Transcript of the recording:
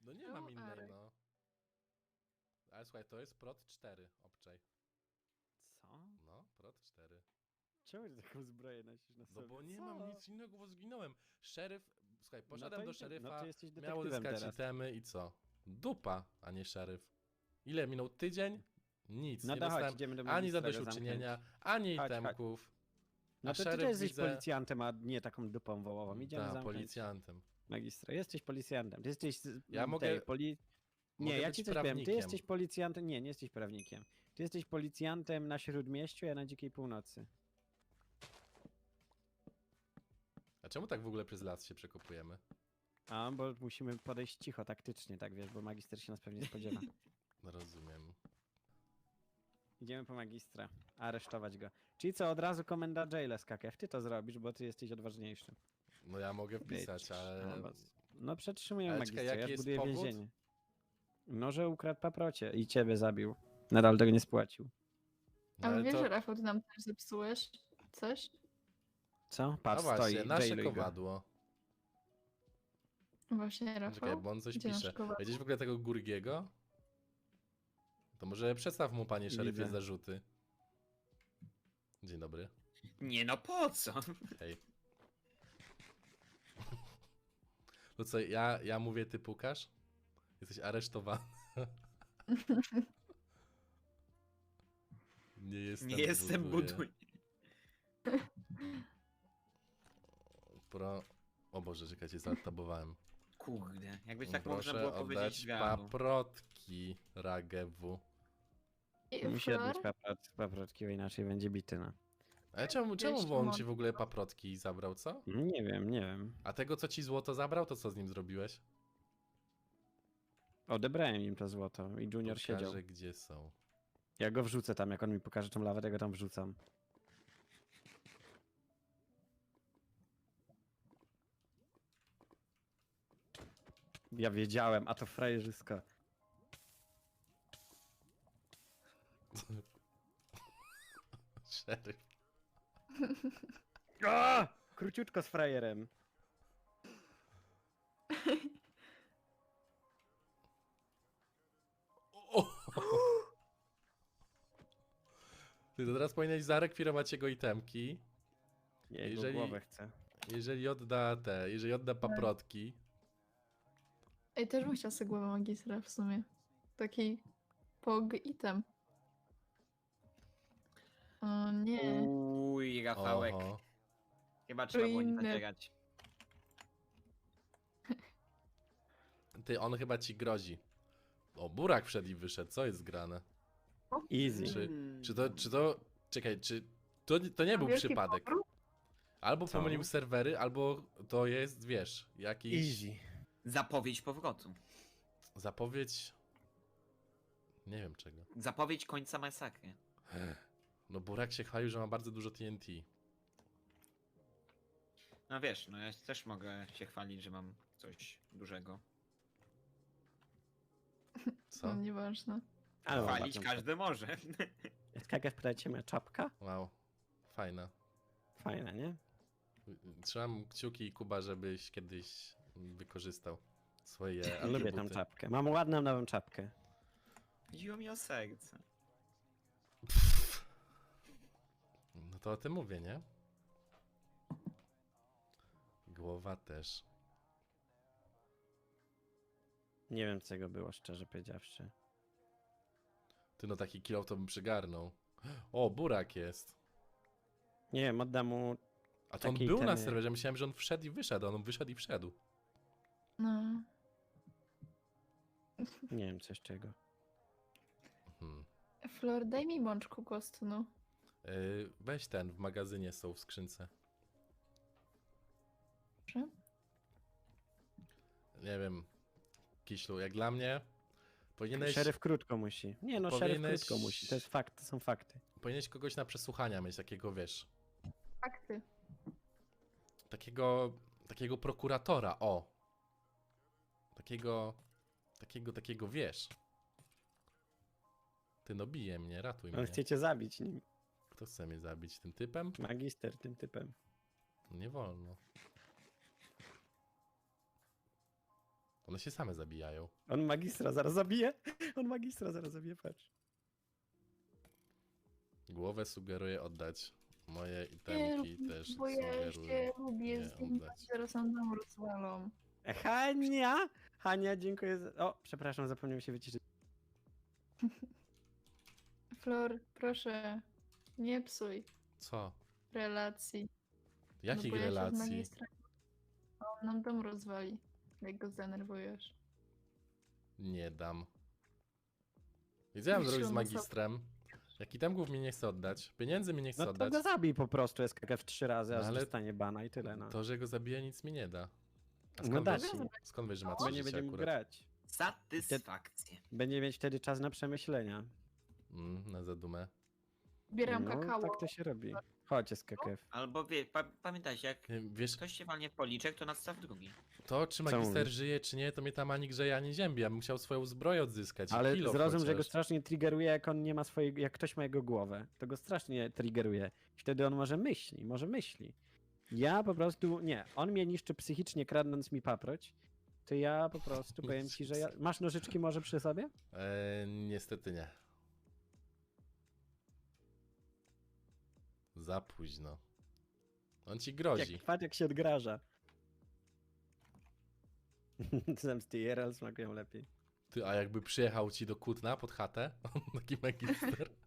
No nie mam innej, no. Ale słuchaj, to jest prot 4, obczaj. Co? No, prot 4. Czemu ty taką zbroję nosisz na No sobie? bo nie Co? mam nic innego, bo zginąłem. Szeryf, słuchaj, No poszedłem to do idzie- szeryfa, no to jesteś miał detektywem uzyskać teraz. itemy i co? Dupa, a nie szeryf. Ile minął? Tydzień? Nic, No nie to chodź, dostałem idziemy do ani magistra go zadośćuczynienia, zamknąć. ani Chodź, chodź. itemków. No A to ty szeryf jesteś widzę... policjantem, a nie taką dupą wołową. Idziemy Da, zamknąć policjantem. magistra. Jesteś policjantem. Ty jesteś Ja mogę- Nie, mogę ja być ci coś powiem. Ty prawnikiem. jesteś policjantem. Nie, nie jesteś prawnikiem. Ty jesteś policjantem na Śródmieściu, a na Dzikiej Północy. A czemu tak w ogóle przez las się przekopujemy? A, bo musimy podejść cicho, taktycznie, tak wiesz, bo magister się nas pewnie spodziewa. No rozumiem. Idziemy po magistra, aresztować go. Czyli co, od razu komenda jaila skakew. Ty to zrobisz, bo ty jesteś odważniejszy. No ja mogę wpisać, ale... No przetrzymujemy Ale czekaj, magistra, ja jaki jest zbuduję powód? więzienie. No, że ukradł paprocie i ciebie zabił. Nadal tego nie spłacił. No, Ale wiesz, to... że Rafał, ty nam też zepsułeś coś? Co? No Patrz, właśnie, stoi, nasze jailuj go. kowadło. Właśnie, Rafał. Czekaj, bo on coś Gdzie nasz pisze. kowadło? Widzisz w ogóle tego Gurgiego? To może przedstaw mu, panie szeryfie, Widzę. zarzuty. Dzień dobry. Nie no, po co? Hej. No co, ja mówię, ty pukasz? Jesteś aresztowany. Nie jestem Nie jestem buduj. O Boże, czekajcie, zatabowałem. Kurde, jakby tak można Proszę było powiedzieć oddać drzwiami. paprotki Ragewu. I Musi Flor? odbyć paprotki, bo inaczej będzie bity, no. Ale czemu on Szymon. ci w ogóle paprotki zabrał, co? Nie wiem, nie wiem. A tego, co ci złoto zabrał, to co z nim zrobiłeś? Odebrałem im to złoto i Junior siedział. Pokażę, gdzie są. Ja go wrzucę tam, jak on mi pokaże tą lawę, to go tam wrzucam. Ja wiedziałem, a to frajerzysko. Szeryf. A! Króciutko z frajerem. O! Ty to teraz powinieneś zarekwirować jego itemki. Ja jego Jeżeli- głowę chcę. Jeżeli odda paprotki. Ej, też bym chciała sobie głowę magistra w sumie. Taki pog item. O nie. Uj, Rafałek. Oho. Chyba trzeba było nie inne. zacierać. Ty, on chyba ci grozi. O, burak wszedł i wyszedł, co jest grane? Easy. Czy to... Czekaj, czy... To nie był Wielki przypadek. powrót? Albo Co? pomylił serwery, albo to jest, wiesz, jakiś... Easy. Zapowiedź powrotu. Zapowiedź... Nie wiem czego. Zapowiedź końca masakry. No burak się chwalił, że ma bardzo dużo TNT. No wiesz, no ja też mogę się chwalić, że mam coś dużego. Co? No, nieważne. Ale mam Chwalić ładną każdy może. czapkę. Jak pytacie mnie, czapka? Wow. Fajna. Fajna, nie? Trzymam kciuki, Kuba, żebyś kiedyś wykorzystał swoje Lubię tą atrybuty. czapkę. Mam ładną nową czapkę. Chodziło mi o serce. No to o tym mówię, nie? Głowa też. Nie wiem, co tego było, szczerze powiedziawszy. Ty no taki kilo to bym przygarnął. O, burak jest. Nie wiem, oddam mu... A to on Takie był na itemy. serwerze, myślałem, że on wszedł i wyszedł, a on wyszedł i wszedł. No. Nie wiem, coś czego. Hmm. Flor, daj mi mączku kostnu. Weź ten, w magazynie są w skrzynce. Proszę. Nie wiem, Kiślu, jak dla mnie powinieneś, Szeryf krótko musi. Nie no, szeryf Powinieneś- krótko musi. To jest fakt, to są fakty. powinieneś kogoś na przesłuchania mieć, takiego, wiesz, Fakty. takiego prokuratora, o. Takiego, wiesz. Ty no bije mnie, ratuj On mnie. chce cię zabić nim. Kto chce mnie zabić? Tym typem? Magister tym typem. Nie wolno. One się same zabijają. On magistra zaraz zabije. On magistra zaraz zabije, patrz. Głowę sugeruję oddać. Moje Nie, itemki też bo ja sugeruję się lubię nie zdjąć, oddać. zaraz nam dom rozwalą. Hania! Hania, dziękuję za... O, przepraszam, zapomniałem się wyciszyć. Flor, proszę, nie psuj Co? relacji. Jakich bo ja się z relacji? magistra- On nam dom rozwali, jak go zdenerwujesz. Nie dam. I co ja mam Wiesz, zrobić z on ma magistrem? Jak itemków mi nie chce oddać, pieniędzy mi nie chce No to oddać, go zabij po prostu SKKF 3 razy, No aż ale dostanie bana i tyle, no. to, że go zabije, nic mi nie da. A No skąd, da wiesz, ci. skąd wiesz, że ma Bo 3 nie życia będzie mógł akurat? grać. Satysfakcję. Będzie mieć wtedy czas na przemyślenia. Na zadumę. Zbieram No, kakao. tak to się robi. Chodź SKKF. Albo pamiętajcie, jak Wiesz, ktoś się walnie w policzek, to nadstaw drugi. to czy Co magister mówisz? żyje, czy nie, to mnie tam ani grzeje, ani ziębi. Ja bym chciał swoją zbroję odzyskać. i Ale kilo zrozum, że go chociaż. strasznie triggeruje, jak on nie ma swojej, jak ktoś ma jego głowę. To go strasznie triggeruje. Wtedy on może myśli. Ja po prostu, nie. On mnie niszczy psychicznie, kradnąc mi paproć. To ja po prostu powiem ci, że ja... Masz nożyczki może przy sobie? Niestety nie. Za późno. On ci grozi. Patrz jak się odgraża. Zemsty IRL smakują lepiej. Ty, a jakby przyjechał ci do Kutna pod chatę, taki magister,